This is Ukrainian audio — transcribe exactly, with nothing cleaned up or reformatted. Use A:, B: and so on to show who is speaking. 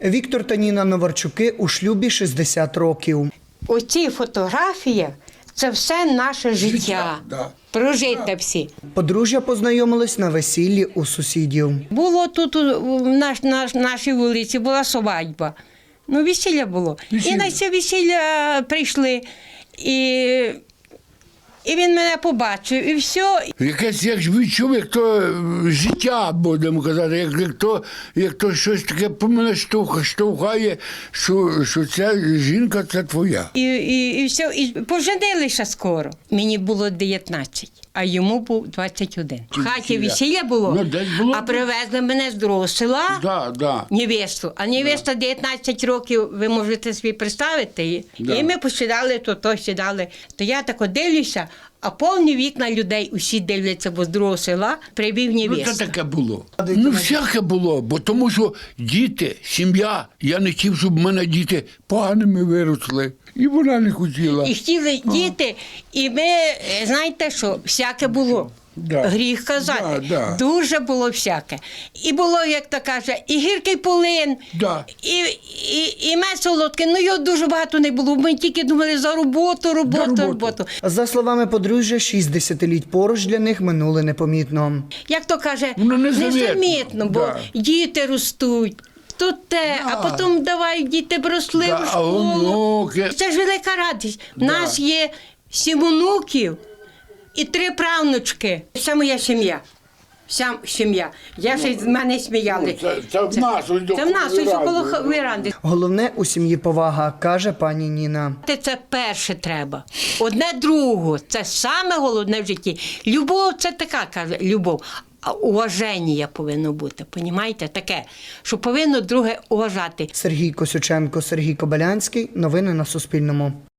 A: Віктор та Ніна Новарчуки у шлюбі шістдесят років.
B: Оці фотографії – це все наше життя,
C: Життя, да.
B: прожите всі.
A: Подружжя познайомились на весіллі у сусідів.
B: Було тут, у наш, наш, нашій вулиці, була свадьба. Ну, весілля було.
C: Весілля.
B: І на це весілля прийшли. І, і він мене побачив, і все.
C: Якесь як відчув, як то е, життя, будемо казати, як, як, то, як то щось таке по мене штовх, штовхає, що, що ця жінка – це твоя.
B: І, і, і все, і поженилися скоро. Мені було дев'ятнадцять, а йому був двадцять один. В хаті весілля було,
C: Ну, десь було.
B: а привезли мене з другого села.
C: Да, да.
B: Невесту. А невеста дев'ятнадцять років, ви можете собі представити. І,
C: Да.
B: і ми посідали, то то сідали. То я так от дивлюся, а повні вікна людей усі дивляться, бо з другого села привів
C: Ну,
B: невесту.
C: це таке було. Ну, всяке було, бо тому що діти, сім'я, я не хотів, щоб в мене діти поганими виросли. І вона не хотіла.
B: І хотіли діти, і ми, е, знаєте що, всяке було.
C: Да.
B: Гріх казати.
C: Да, да.
B: Дуже було всяке. І було, як то каже, і гіркий полин,
C: Да.
B: і, і, і мед солодкий. Ну, його дуже багато не було. Ми тільки думали за роботу, роботу,
C: роботу.
B: роботу.
A: За словами подружжя, шість десятиліть поруч для них минули непомітно.
B: Як то каже,
C: Ну, незаметно.
B: незамітно, бо
C: Да.
B: діти ростуть. То те,
C: Да.
B: а потім давай діти бросли
C: Да,
B: в
C: а
B: школу.
C: онуки.
B: Це ж велика радість. У
C: Да.
B: нас є сім онуків і три правнучки. Вся моя сім'я. Вся сім'я. Я ще з мене сміяли.
C: Ну, це- це в нас, ось до
B: Це в нас, ось
C: веранди.
B: коло ха- веранди.
A: Головне у сім'ї повага, каже пані Ніна.
B: Це перше треба. Одне другого. Це саме головне в житті. Любов це така, каже, любов. А уваження повинно бути, понімаєте? Таке, що повинно друге уважати.
A: Сергій Косюченко, Сергій Кобилянський. Новини на Суспільному.